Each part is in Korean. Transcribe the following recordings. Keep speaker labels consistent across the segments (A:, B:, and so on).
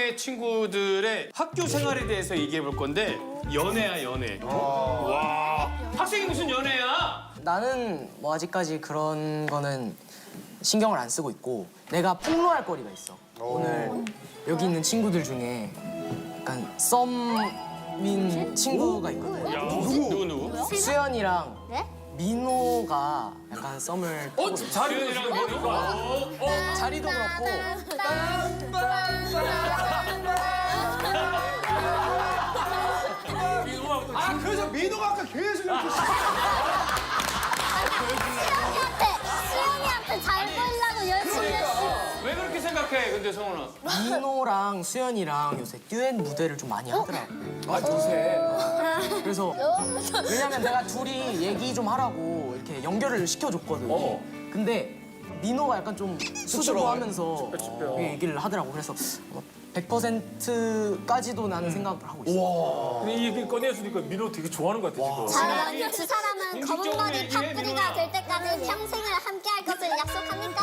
A: 이방의 친구들의 학교 생활에 대해서 얘기해 볼 건데 연애야 연애. 와 학생이 무슨 연애야?
B: 나는 뭐 아직까지 그런 거는 신경을 안 쓰고 있고 내가 폭로할 거리가 있어. 오늘 여기 있는 친구들 중에 약간 썸민 친구가 있거든.
A: 누구?
B: 수연이랑
C: 네?
B: 민호가 약간 썸을 타고 있어.
A: 수연이랑 민호가.
B: 자리도 그렇고
D: 아 그래서 민호가 아까 계속 이렇게
C: 수영이한테 잘 보이려고 열심히 했어.
A: 왜 그렇게 생각해? 근데 성훈아.
B: 민호랑 수연이랑 요새 듀엣 무대를 좀 많이 하더라고.
D: 아 요새
B: 그래서 왜냐면 내가 둘이 얘기 좀 하라고 이렇게 연결을 시켜줬거든. 근데 민호가 약간 좀 수줍어하면서 얘기를 하더라고. 그래서 100%까지도 나는 생각을 하고 있어.
E: 근데 이 얘기 꺼내주니까 민호 되게 좋아하는 것 같아, 지금.
C: 두 사람은 검은 머리 팥뿌리가 될 때까지 평생을 함께 할 것을 약속합니까?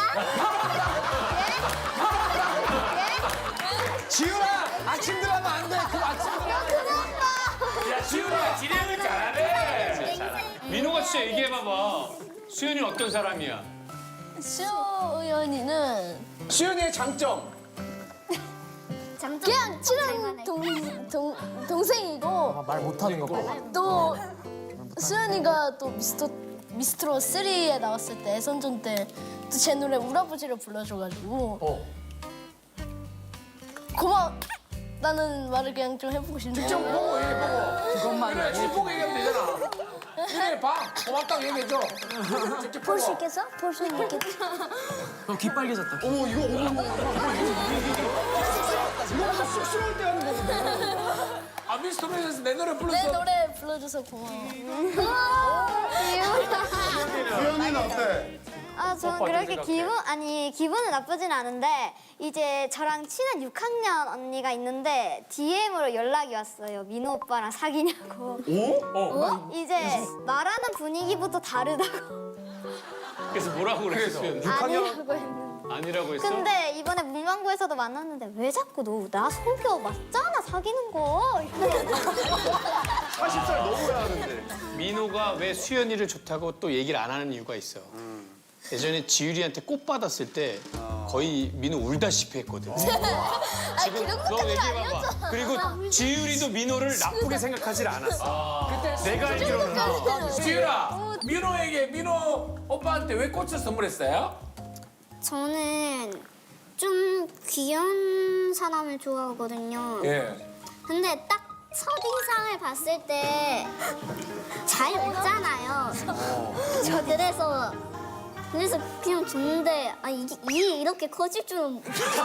D: 지훈아 아침 드라마 안돼 그 아침 드라마
A: 야 수연이가 진행을 잘하네. 민호가 진짜 얘기해 봐봐. 수연이는 어떤 사람이야?
F: 수연이는
D: 수연이의 장점
F: 그냥 친한 동생이고
B: 말 못하는 거 봐.
F: 또 수연이가 또 미스트롯 3에 나왔을 때 애선전 때 또 제 노래 울아버지를 불러줘가지고 고맙다는 말을 그냥 좀 해보고 싶네요.
D: 직접 보고 얘기해보고
B: 그것만
D: 그래 집 보고 얘기하면 되잖아 이래 봐 고맙다고 얘기해줘 직접
C: 볼 수
D: 보고
C: 있겠어? 볼 수 있겠어?
B: 귀 빨개졌다.
D: 어머 이거 이거 쑥스러울 때 하는 거거든 아 미스터리에서 내 노래
F: 내
D: 불렀어
F: 노래 불러줘서 고마워.
G: 수연이는 어때?
C: 저는 그렇게 기분은 나쁘진 않은데 이제 저랑 친한 6학년 언니가 있는데 DM으로 연락이 왔어요. 민호 오빠랑 사귀냐고. 이제 말하는 분위기부터 다르다고.
A: 그래서 뭐라고 그랬어? 수연?
C: 아니라고 했는데.
A: 아니라고 했어?
C: 근데 이번에 문방구에서도 만났는데 왜 자꾸 너 나 속여 맞잖아 사귀는 거.
G: 40살 넘어야 하는데.
A: 민호가 왜 수연이를 좋다고 또 얘기를 안 하는 이유가 있어. 예전에 지율이한테 꽃 받았을 때 거의 민호 울다시피 했거든. 지금 너 얘기해봐봐. 그리고 지율이도 민호를 나쁘게 생각하질 않았어. 내가 알기로는.
D: 지율아 민호에게 민호 오빠한테 왜 꽃을 선물했어요?
C: 저는 좀 귀여운 사람을 좋아하거든요.
D: 예
C: 근데 딱 첫인상을 봤을 때 잘 웃잖아요. 저 그래서 그냥 줬는데 이게 이렇게 커질 줄은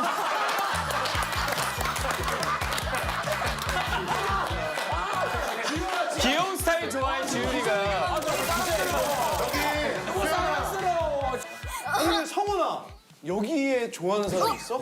A: 귀여운 스타일 좋아해 지율이가.
D: 사랑스러워
G: 아니 성훈아 여기에 좋아하는 사람 있어?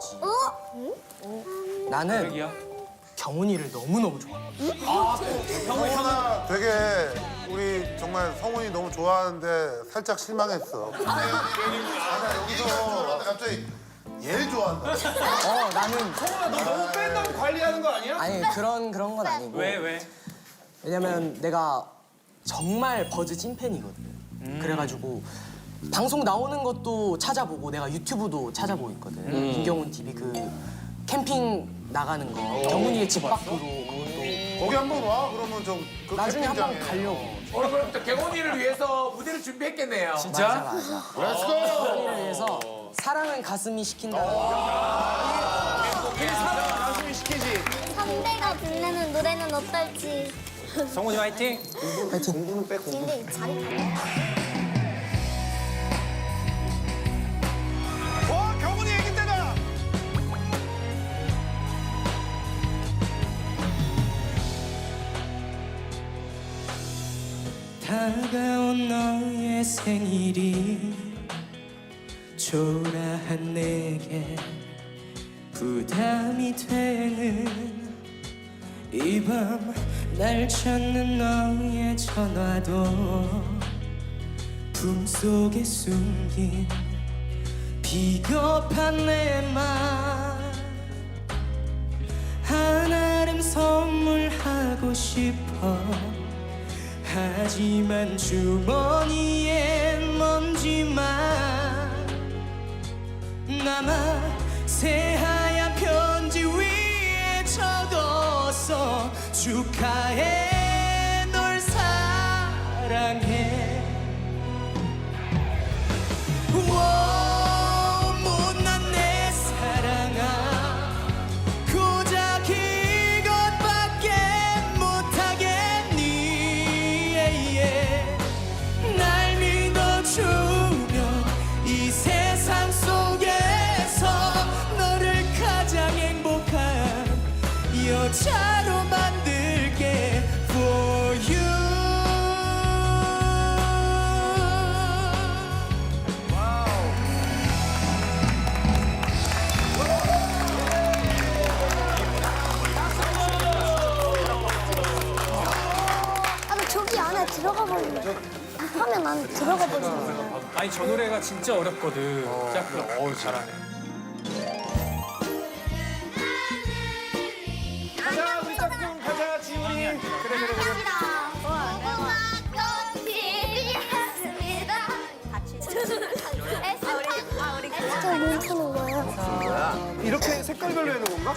B: 나는 경훈이를 너무너무 좋아해.
G: 성훈아 되게 우리 정말 성훈이 너무 좋아하는데 살짝 실망했어. 나 여기서 갑자기 얘를 좋아한다.
B: 나는
D: 너 너무 뺀다고 관리하는 거 아니야?
B: 아니 그런 건 아니고.
A: 왜?
B: 왜냐면 내가 정말 버즈 찐팬이거든. 그래가지고 방송 나오는 것도 찾아보고 내가 유튜브도 찾아보고 있거든. 김경훈 TV 그 캠핑 나가는 거 경훈이의 집 밖으로 그것도
G: 거기 한번 와 그러면 좀그
B: 나중에 한번
G: 캠핑장에.
B: 가려고.
D: 오늘 그럼 경훈이를 위해서 무대를 준비했겠네요
B: 맞아.
G: 렛츠고!
B: 경훈이를 위해서 사랑은 가슴이 시킨다는
G: 가슴이 시키지.
C: 선배가 불르는 노래는 어떨지.
E: 성훈이 화이팅!
G: 공부는 빼 공부.
C: 근데 자리 갈래?
G: 와 경훈이 얘기 때다.
H: 다가온 너의 생일이 초라한 내게 부담이 되는 이 밤 날 찾는 너의 전화도 품속에 숨긴 비겁한 내 맘 싶어 하지만 주머니에 먼지만 남아 새하얀 편지 위에 적었어 축하해 널 사랑해 못난 내 사랑아 고작 이것밖에 못하겠니 날 믿어주면 이 세상 속에서 너를 가장 행복한 여자로 만들게 for you
F: 나 저기 안에 들어가 버리네. 화면 안에 들어가 버리네.
E: 아니 저 노래가 진짜 어렵거든. 어우 잘하네.
G: 가자 우리 짝꿍 가자 지훈이.
F: 진짜 멈추는 거예요.
G: 이렇게 색깔별로 해놓은 건가?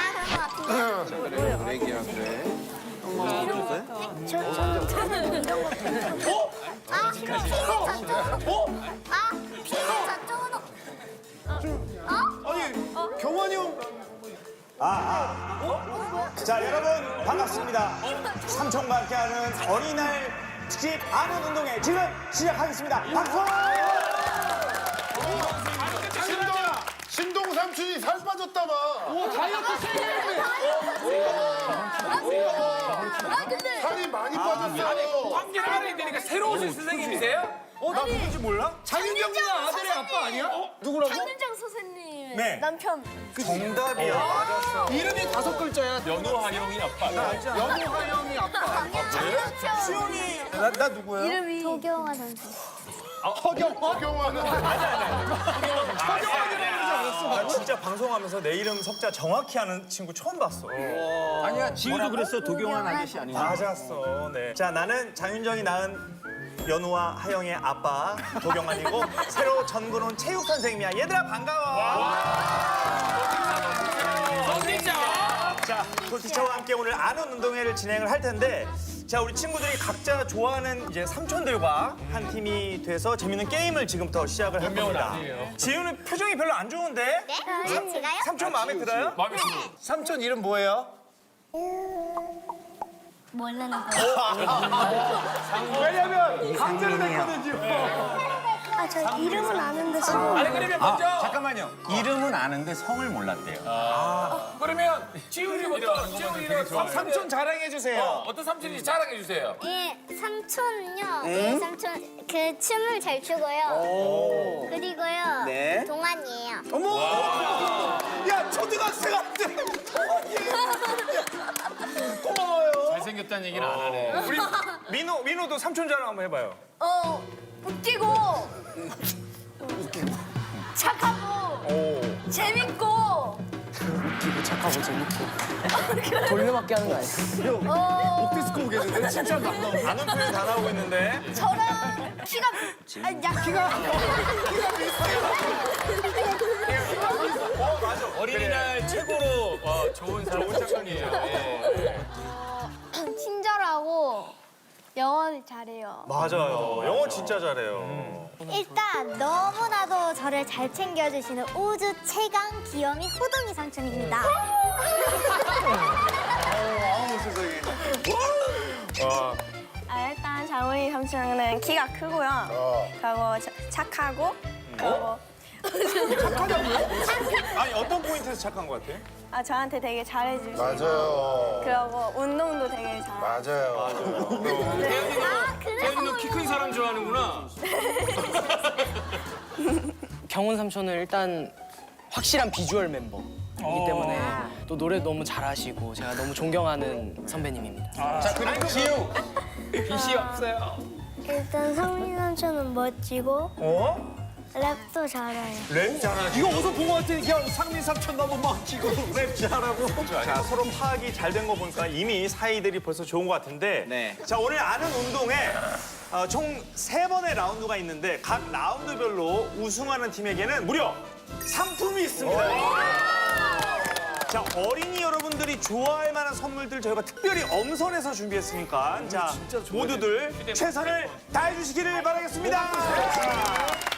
G: 아니 경환이 형.
I: 자 여러분 반갑습니다. 삼촌과 함께하는 어린이날 특집 아는 운동회 지금 시작하겠습니다. 박수!
G: 신동 삼촌이 살 빠졌다 봐. 오 다이어트 세게. 살이 많이 빠졌어.
D: 관계를 알아야 되니까 새로 오신 선생님이세요?
G: 나 누군지 몰라? 장윤경 누나 아들의 아빠 아니야? 누구라고?
F: 장윤정 선생님
I: 네.
F: 남편.
I: 정답이야. 맞았어.
G: 이름이 5글자야.
E: 연호하영이 아빠.
G: 연호하 형이 아빠.
I: 수영이 나 누구야?
F: 이름이
C: 도경화 선수.
G: 허경환은
I: 나 진짜 방송하면서 내 이름 석자 정확히 아는 친구 처음 봤어.
D: 아니야 지우도 그랬어. 도경환 아저씨 아니야?
I: 맞았어. 네. 자 나는 장윤정이 낳은 연우와 하영의 아빠 도경환이고 새로 전군 온 체육 선생님이야. 얘들아 반가워. 자, 도티처와 함께 오늘 아는 운동회를 진행을 할 텐데 자, 우리 친구들이 각자 좋아하는 이제 삼촌들과 한 팀이 돼서 재밌는 게임을 지금부터 시작을 할 겁니다. 지우는 표정이 별로 안 좋은데?
C: 네, 제가요?
I: 삼촌 마음에 들어요?
E: 마음에 들어.
G: 삼촌 이름 뭐예요?
C: 모르는 거예요.
G: 왜냐면 강제로 됐거든 지금.
F: 저 이름은 아는데 성을
D: 아니 그러면 먼저
I: 잠깐만요.
J: 이름은 아는데 성을 몰랐대요.
D: 그러면 지훈이부터 지훈이는
G: 삼촌 자랑해 주세요.
D: 어떤 삼촌인지 자랑해 주세요.
C: 예, 삼촌은요. 예, 삼촌 그 춤을 잘 추고요. 그리고요.
I: 네.
C: 동안이에요.
G: 야 초등학생한테 고마워요.
A: 잘생겼다는 얘기는 안 하네.
I: 우리 민호도 삼촌 자랑 한번 해봐요.
F: 웃기고 착하고 재밌고
B: 웃기고 착하고 재밌고 돌려막기 하는 거 아니야?
G: 옥디스코 오겠는데 진짜 막
I: 아는 표현 다 나오고 있는데.
F: 저랑 키가 키가
A: 어린이날 최고로 좋은 삼촌이에요. 예.
C: 친절하고 영어를 잘해요.
I: 맞아요. 영어 진짜 잘해요.
C: 일단 너무나도 저를 잘 챙겨주시는 우주 최강 귀요미 호동이 삼촌입니다.
K: 일단 장훈이 삼촌은 키가 크고요. 그리고 착하고 그리고
I: 아니 어떤 포인트에서 착한 것 같아?
K: 저한테 되게 잘해주시고
G: 맞아요.
K: 그리고 운동도 되게 잘하고
G: 맞아요.
A: 태연이도 키 큰 사람 좋아하는구나.
B: 경훈 삼촌은 일단 확실한 비주얼 멤버이기 때문에 또 노래 너무 잘하시고 제가 너무 존경하는 선배님입니다.
A: 자, 그리고 지우. 빛이 없어요.
K: 일단 성민 삼촌은 멋지고
I: 어?
C: 랩도 잘해요.
I: 랩 잘하지.
G: 이거 어디서 본 것 같아? 그냥 상민 삼촌 너무 막 지금 랩 잘하고.
I: 자, 서로 파악이 잘 된 거 보니까 이미 사이들이 벌써 좋은 것 같은데.
J: 네.
I: 자, 오늘 아는 운동에 총 3번의 라운드가 있는데 각 라운드별로 우승하는 팀에게는 무려 상품이 있습니다. 자, 어린이 여러분들이 좋아할 만한 선물들 저희가 특별히 엄선해서 준비했으니까 자, 모두들 최선을 다해 주시기를 바라겠습니다.